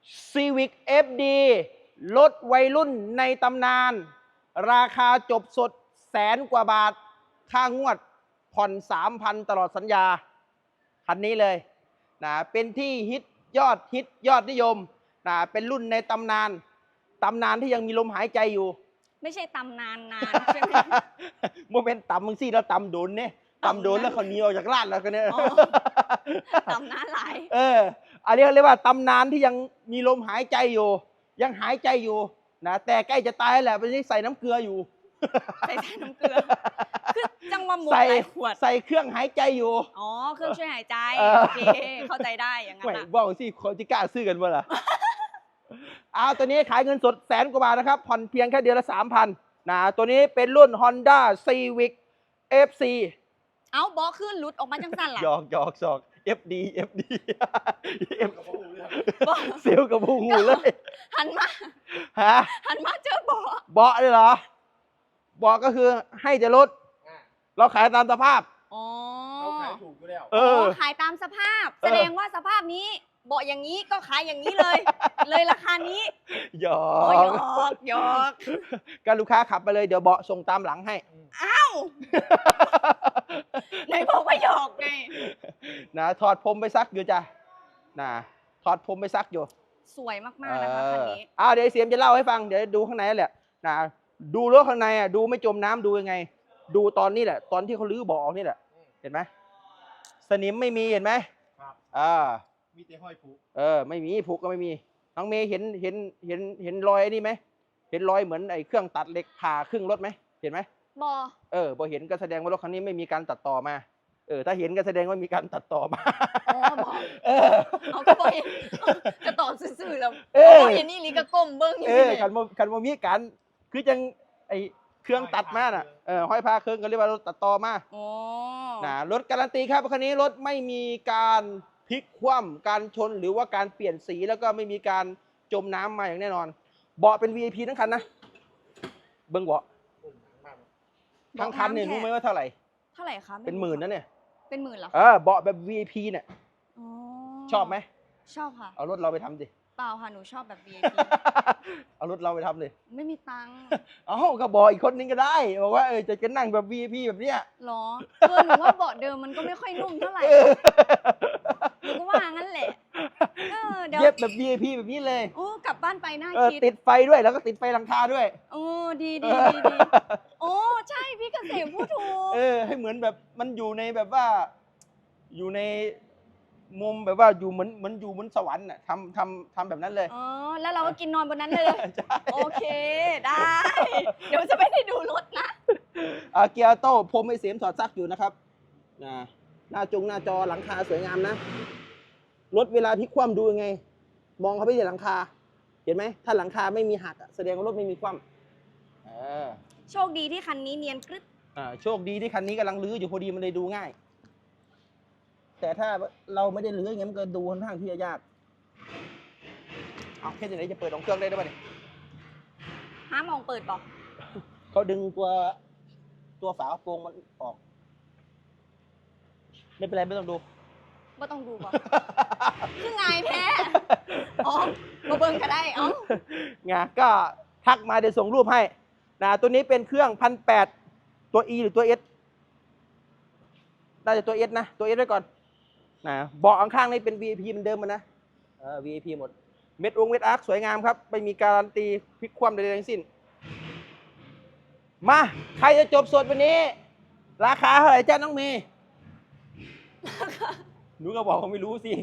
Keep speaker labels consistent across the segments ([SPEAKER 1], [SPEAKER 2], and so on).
[SPEAKER 1] Civic FD รถวัยรุ่นในตำนาน ราคาจบสด100,000 กว่าบาท ค่างวดผ่อน 3,000 ตลอดสัญญาคันนี้เลยนะเป็นที่ฮิตยอดนิยมนะเป็นรุ่นในตำนานที่ยังมีลมหายใจอยู่
[SPEAKER 2] ไม่ใช่ตำนานใช่ไหม
[SPEAKER 1] โมเมนต์ต่ำมึงสิแล้วต่ำโดนเนี่ยต่ำโดนแล้วเขาหนีออกจากร้านแล้วกันเนี่ย
[SPEAKER 2] ตำนานหลาย
[SPEAKER 1] อันนี้เขาเรียกว่าตำนานที่ยังมีลมหายใจอยู่ ยังหายใจอยู่นะแต่ใกล้จะตายแหละเป็นที่ใส่น้ำเกลืออยู่
[SPEAKER 2] ใส่น้ำเกลือคือจังหวะหมดหลายขวด
[SPEAKER 1] ใส่เครื่องหายใจอยู่
[SPEAKER 2] อ๋อเครื่องช่วยหายใจ
[SPEAKER 1] โอ
[SPEAKER 2] โอ
[SPEAKER 1] เค
[SPEAKER 2] เคเข้าใจได้อย่างนั้น
[SPEAKER 1] ไม่
[SPEAKER 2] นะ
[SPEAKER 1] บอกสิคนที่กล้าซื้อกันบ่ล่ะ ตัวนี้ขายเงินสด100,000 กว่าบาทนะครับผ่อนเพียงแค่เดือนละ 3,000 นะตัวนี้เป็นรุ่น Honda Civic FC
[SPEAKER 2] เอาบอขึ้นหลุดออกมาจังสั่นล่ะ
[SPEAKER 1] หยอกFD
[SPEAKER 2] บอก
[SPEAKER 1] เซลกับหูเลย
[SPEAKER 2] หันมา
[SPEAKER 1] ฮะ
[SPEAKER 2] เจอบอ
[SPEAKER 1] เบาะเลยเหรอเบาะก็คือให้จะลดเราขายตามสภาพ
[SPEAKER 2] อ๋อ
[SPEAKER 3] เขาขายถูกอยู่แล้ว
[SPEAKER 2] ขายตามสภาพ แสดงว่าสภาพนี้เบาะอย่างนี้ก็ขายอย่างนี้เลย เลยราคานี้
[SPEAKER 1] หยอ
[SPEAKER 2] อ๋อห
[SPEAKER 1] ก
[SPEAKER 2] ยอก
[SPEAKER 1] ก็ลูกค้าขับไปเลยเดี๋ยวเบาะส่งตามหลังให้
[SPEAKER 2] อ้าวไหนบอกว่าหยอกไง
[SPEAKER 1] นะถอดผมไปซักอยู่จ้ะนะถอดผมไปซักอยู่
[SPEAKER 2] สวยมากๆนะคะคันนี้
[SPEAKER 1] เดี๋ยวเสียมจะเล่าให้ฟังเดี๋ยวดูข้างในแหละนะดูรถข้างในดูไม่จมน้ำดูยังไง ดูตอนนี้แหละตอนที่เขาลื้อเบาะออกนี่แหละเห็นไหมสนิมไม่มีเห็นไหม
[SPEAKER 3] ครับ มีแต่ห้อยผู
[SPEAKER 1] ไม่มีผูกก็ไม่มีน้องเมย์เห็นรอยนี่ไหมเห็นรอยเหมือนไอ้เครื่องตัดเหล็กผ่าครึ่งรถไหมเห็นไหม
[SPEAKER 2] บอ
[SPEAKER 1] พอเห็นก็แสดงว่ารถคันนี้ไม่มีการตัดต่อมาถ้าเห็นก็แสดงว่ามีการตัดต่อมา
[SPEAKER 2] อ๋อบอ เอาก็บอเห็นจะตอบซื่อๆแล้ว
[SPEAKER 1] เออ
[SPEAKER 2] บอเห็นนี่ลีก็ก้มเบิ้งอยู่นี่
[SPEAKER 1] กันว่ามีการคือจังไอ้เครื่องตัดมาน่ะห้อยพาเครื่องก็เรียกว่ารถตัดต่อมา
[SPEAKER 2] อ๋อ
[SPEAKER 1] นะรถการันตีครับคันนี้รถไม่มีการพลิกคว่ำการชนหรือว่าการเปลี่ยนสีแล้วก็ไม่มีการจมน้ำมาอย่างแน่นอนเบาะเป็น VIP ทั้งคันนะเบิ้งเบาะทั้งคันเนี่ยรู้ไหมว่าเท่าไหร่
[SPEAKER 2] เท่าไหร่คะ
[SPEAKER 1] เป็นหมื่นนะเนี่ย
[SPEAKER 2] เป็นหมื่นเหรอ
[SPEAKER 1] เบาะแบบ VIP เนี่ย
[SPEAKER 2] อ๋อ
[SPEAKER 1] ชอบไหม
[SPEAKER 2] ชอบค่ะ
[SPEAKER 1] เอารถเราไปทำดิ
[SPEAKER 2] เปล่าค่ะหนูชอบแบบ VIP
[SPEAKER 1] เอารถเราไปทำดิ
[SPEAKER 2] ไม่มีตังค์
[SPEAKER 1] ก็บอกอีกคนนึงก็ได้บอกว่าจะนั่งแบบ VIP แบบเนี้ย
[SPEAKER 2] หรอหนูว่าเบาะเดิมมันก็ไม่ค่อยนุ่มเท่าไหร่หนูก็ว่างั้นแหละเดี๋ยว
[SPEAKER 1] เย็บแบบ VIP แบบนี้เลย
[SPEAKER 2] โอ้กลับบ้านไปน่าคิด
[SPEAKER 1] ติดไฟด้วยแล้วก็ติดไฟหลังคาด้วย
[SPEAKER 2] โอ้ดีโอ้ใช่พี่เกษมพูดถูก
[SPEAKER 1] ให้เหมือนแบบมันอยู่ในแบบว่า อยู่ในมุมแบบว่าอยู่เหมือนอยู่บนสวรรค์น่ะทำแบบนั้นเลย
[SPEAKER 2] อ๋อแล้วเราก็กินนอนบนนั้นเลย
[SPEAKER 1] ใช่
[SPEAKER 2] โอเคได้ เดี๋ยวจะไม่ได้ดูรถนะ
[SPEAKER 1] เกียร์โต้พรมไอเสียมถอดซักอยู่นะครับหน้าจอหลังคาสวยงามนะรถเวลาพลิกคว่ำดูยังไง มองเข้าไปที่หลังคา เห็นไหมถ้าหลังคาไม่มีหักแสดงว่ารถไม่มีคว่ำ
[SPEAKER 2] โชคดีที่คันนี้เนียนกริบ
[SPEAKER 1] โชคดีที่คันนี้กำลังลื้ออยู่พอดีมันเลยดูง่าย แต่ถ้าเราไม่ได้ลื้ออย่างนี้มันก็ดูค่อนข้างที่จะยากแค่ไหนจะเปิดของเครื่องได้ด้วยป่ะเนี่ย
[SPEAKER 2] ห้ามมองเปิดบอก
[SPEAKER 1] เขาดึงตัวฝากระโปรงมันออกไม่เป็นไรไม่ต้องดู
[SPEAKER 2] ว่าต้องดูบอก คือไงแพ้อ๋อมาเบิ่งก็ได้อ๋อ
[SPEAKER 1] ก็ทักมาเดี๋ยวส่งรูปให้ตัวนี้เป็นเครื่อง1,800ตัว E หรือตัว S น่าจะตัว S นะตัว S ไว้ก่อนเบาะข้างๆนี่เป็น VIP เหมือนเดิมมันนะVIP หมดเม็ดอาร์คสวยงามครับไม่มีการันตีพลิกคว่ำใดๆทั้งสิ้นมาใครจะจบสดวันนี้ ราคาเท่าไหร่จ้าน้องเมย์หนูก็บอกเขาไม่รู้สิ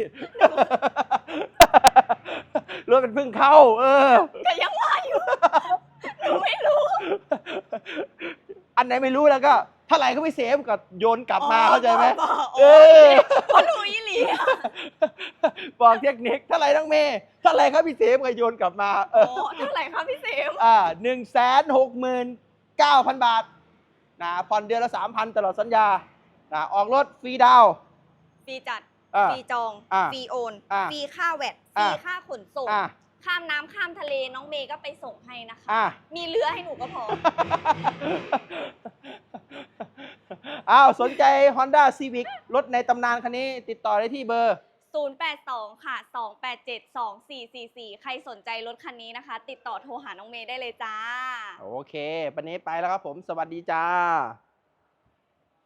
[SPEAKER 1] รถมันเพิ่งเข้า
[SPEAKER 2] ก็ยังว่าอยู่หนูไม่รู้
[SPEAKER 1] อันไหนไม่รู้แล้วก็เท่าไหร่ก็ไม่เซฟก็โยนกลับมาเข้าใจไหม
[SPEAKER 2] เพราะหนูอีหลี
[SPEAKER 1] บอกเทคนิคเท่าไหร่น้องเมย์เท่าไหร่ครับพี่เซฟก็โยนกลับมา
[SPEAKER 2] เท่าไหร่ครับพี่เสม
[SPEAKER 1] 169,000 บาทผ่อนเดือนละ 3,000 ตลอดสัญญาออกรถฟรีดาว
[SPEAKER 2] ฟรีจัด ฟรีจอง ฟรีโอน ฟรีค่าแวดฟรีค่าขนส่ง ข้ามน้ำข้ามทะเลน้องเมย์ก็ไปส่งให้นะคะ มีเรือให้หนูก็พอ
[SPEAKER 1] สนใจ Honda Civic รถในตำนานคันนี้ติดต่อได้ที่เบอร์
[SPEAKER 2] 082 ค่ะ 287 2444 ใครสนใจรถคันนี้นะคะ ติดต่อโทรหาน้องเมย์ได้เลยจ้า
[SPEAKER 1] โอเควันนี้ไปแล้วครับผม สวัสดีจ้า